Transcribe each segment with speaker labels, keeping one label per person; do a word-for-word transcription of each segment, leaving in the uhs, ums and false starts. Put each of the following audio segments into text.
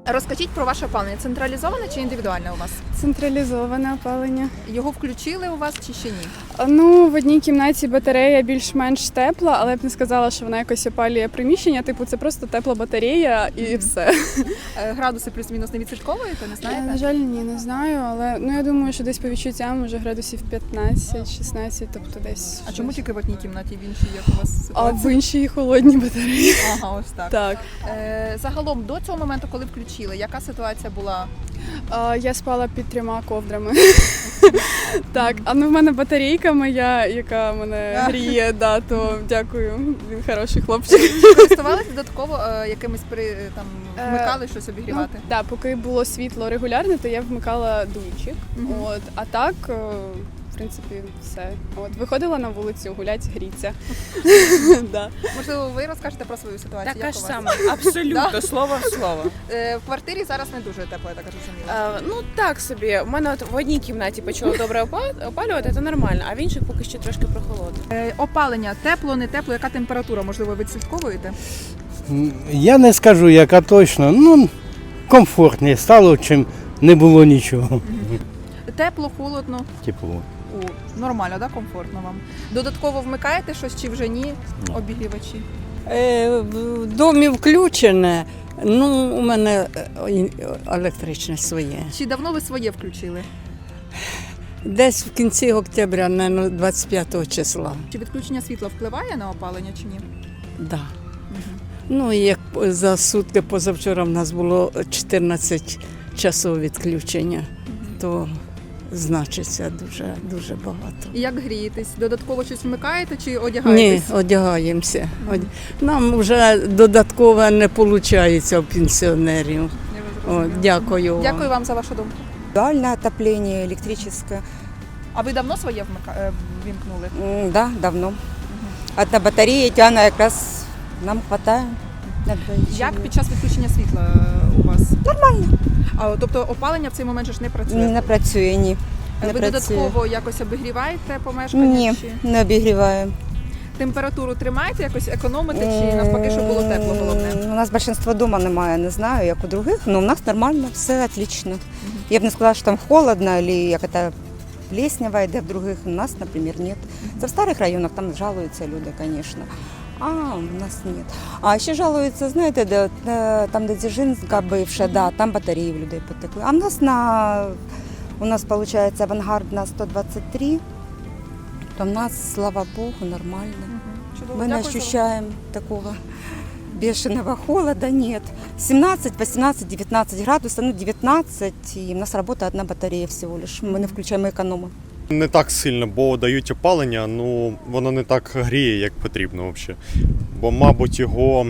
Speaker 1: Розкажіть про ваше опалення. Централізоване чи індивідуальне у вас?
Speaker 2: Централізоване опалення.
Speaker 1: Його включили у вас чи ще ні?
Speaker 2: Ну, в одній кімнаті батарея більш-менш тепла, але я б не сказала, що вона якось опалює приміщення. Типу, це просто тепла батарея і все.
Speaker 1: Е, Градуси плюс-мінус не відслідковуєте, не
Speaker 2: На
Speaker 1: знаєте?
Speaker 2: жаль, ні, не знаю, але ну я думаю, що десь по відчуттям може градусів п'ятнадцять-шістнадцять, тобто десь.
Speaker 1: А чому
Speaker 2: щось.
Speaker 1: тільки в одній кімнаті, в іншій як у вас
Speaker 2: А
Speaker 1: ситуація?
Speaker 2: в іншій холодні батареї.
Speaker 1: Ага, ось так.
Speaker 2: Так.
Speaker 1: Е, загалом, до цього моменту, коли включили, яка ситуація була?
Speaker 2: А, я спала під трьома ковдрами. Так, а ну в мене батарейка моя, яка мене гріє, да, то дякую, він хороший хлопчик.
Speaker 1: Користувалися додатково е, якимись при там
Speaker 2: Е,
Speaker 1: вмикали щось обігрівати?
Speaker 2: Ну, да, поки було світло регулярне, то я вмикала дуйчик.
Speaker 1: Мгм.
Speaker 2: От, а так, е, в принципі, все. От, виходила на вулицю, гулять, гріться. Да.
Speaker 1: Можливо, ви розкажете про свою ситуацію?
Speaker 3: Така
Speaker 1: як
Speaker 3: ж
Speaker 1: у вас?
Speaker 3: сама, абсолютно, слово в слово.
Speaker 1: Е, в квартирі зараз не дуже тепло, я так розумію.
Speaker 3: Е, ну так собі, у мене от в одній кімнаті почало добре опа- опалювати, це нормально, а в інших поки що трошки прохолодно.
Speaker 1: Е, опалення, тепло, не тепло, яка температура, можливо, ви відслідковуєте?
Speaker 4: Я не скажу, яка точно, ну комфортніше стало, чим не було нічого.
Speaker 1: Тепло, холодно,
Speaker 4: Тепло.
Speaker 1: О, нормально, да, комфортно вам. Додатково вмикаєте щось чи вже ні?
Speaker 4: Ні.
Speaker 1: Обігрівачі.
Speaker 5: Е, В домі включене, ну у мене е, і- електричне своє.
Speaker 1: Чи давно ви своє включили?
Speaker 5: Десь в кінці октября, наверно, двадцять п'ятого числа.
Speaker 1: Чи відключення світла впливає на опалення чи ні?
Speaker 5: Да. Ну і як за сутки позавчора в нас було чотирнадцять часов відключення, то значиться дуже дуже багато.
Speaker 1: І як грієтесь? Додатково щось вмикаєте чи
Speaker 5: Ні,
Speaker 1: одягаєтесь?
Speaker 5: одягаємося. Од- Нам вже додатково не виходить у пенсіонерів.
Speaker 1: Я
Speaker 5: О,
Speaker 1: зрозуміла.
Speaker 5: дякую вам.
Speaker 1: Дякую вам за вашу думку.
Speaker 6: Индивидуальное отопление, электрическое.
Speaker 1: А ви давно своє вмика... е, вімкнули?
Speaker 6: М, Да, давно. Одна батарея, тяна как раз нам хватает. на двоих
Speaker 1: Як
Speaker 6: человек.
Speaker 1: під час відключення світла е, у вас? Нормально. А, тобто опалення в цей момент же ж не працює?
Speaker 6: Не працює, ні. Не
Speaker 1: ви
Speaker 6: працює.
Speaker 1: додатково якось обігріваєте помешкання?
Speaker 6: Ні,
Speaker 1: Чи
Speaker 6: не обігріваємо.
Speaker 1: температуру тримаєте, якось економите, чи навпаки, щоб було тепло головне?
Speaker 6: М, У нас большинство дома немає, не знаю, як у других, але у нас нормально, все отлично. Я б не сказала, що там холодно, або як це плеснява йде в других. У нас, наприклад, нет. Це в старих районах, там жалуються люди, звісно. А, у нас нет. А ще жалуються, знаєте, де, е, там, де Дзержинська бивша, да, там батареї в людей потекли. А в нас на, у нас, виходить, авангард на сто двадцять три, то в нас, слава Богу, нормально.
Speaker 1: Чудово,
Speaker 6: Мы не
Speaker 1: дякую за-
Speaker 6: ощущаем такого бешеного холода, нет. семнадцать, восемнадцать, девятнадцать градусов, ну девятнадцать, и у нас работает одна батарея всего лишь. Мы не включаем, мы экономим.
Speaker 7: Не так сильно, бо дають опалення, ну воно не так гріє, як потрібно взагалі. Бо, мабуть, його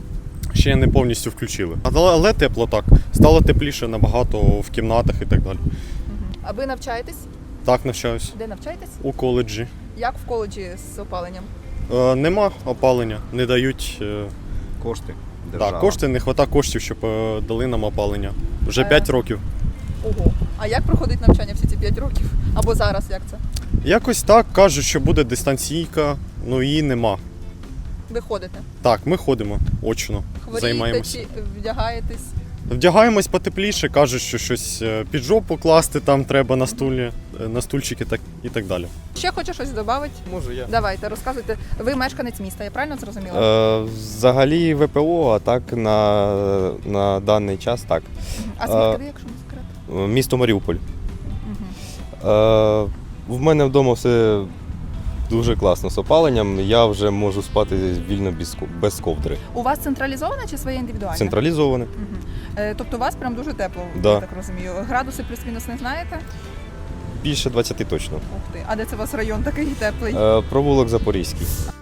Speaker 7: ще не повністю включили. Але, але тепло так. Стало тепліше набагато в кімнатах і так далі.
Speaker 1: А ви навчаєтесь?
Speaker 7: Так навчаюсь
Speaker 1: Де навчаєтесь?
Speaker 7: у коледжі.
Speaker 1: Як в коледжі з опаленням?
Speaker 7: Е, нема опалення, не дають е,
Speaker 8: Кошти.
Speaker 7: так, кошти, не вистачає коштів, щоб е, дали нам опалення. Вже
Speaker 1: Е.
Speaker 7: п'ять років.
Speaker 1: Ого. А як проходить навчання всі ці п'ять років? Або зараз як це?
Speaker 7: Якось так кажуть, що буде дистанційка, ну її нема.
Speaker 1: Ви ходите?
Speaker 7: Так, ми ходимо очно,
Speaker 1: Хворієте
Speaker 7: займаємося.
Speaker 1: чи вдягаєтесь?
Speaker 7: Вдягаємось потепліше, кажуть, що щось е, під жопу класти там треба на стулі, е, на стульчики так, і так далі.
Speaker 1: Ще хоче щось додати?
Speaker 8: Можу я.
Speaker 1: Давайте, розказуйте. Ви мешканець міста, я правильно зрозуміла?
Speaker 8: Е, взагалі ВПО, а так на, на даний час так.
Speaker 1: А звідки ви, якщо не секрет?
Speaker 8: Е, Місто Маріуполь.
Speaker 1: Угу.
Speaker 8: Е, в мене вдома все дуже класно з опаленням. Я вже можу спати вільно без, ко- без ковдри.
Speaker 1: У вас централізоване чи своє індивідуальне?
Speaker 8: Централізоване.
Speaker 1: Угу. Е, тобто у вас прям дуже тепло,
Speaker 8: Да.
Speaker 1: я так розумію. Градуси плюс-мінус не знаєте?
Speaker 8: Більше двадцять точно.
Speaker 1: Ух ти. А де це у вас район такий теплий?
Speaker 8: Е, провулок Запорізький.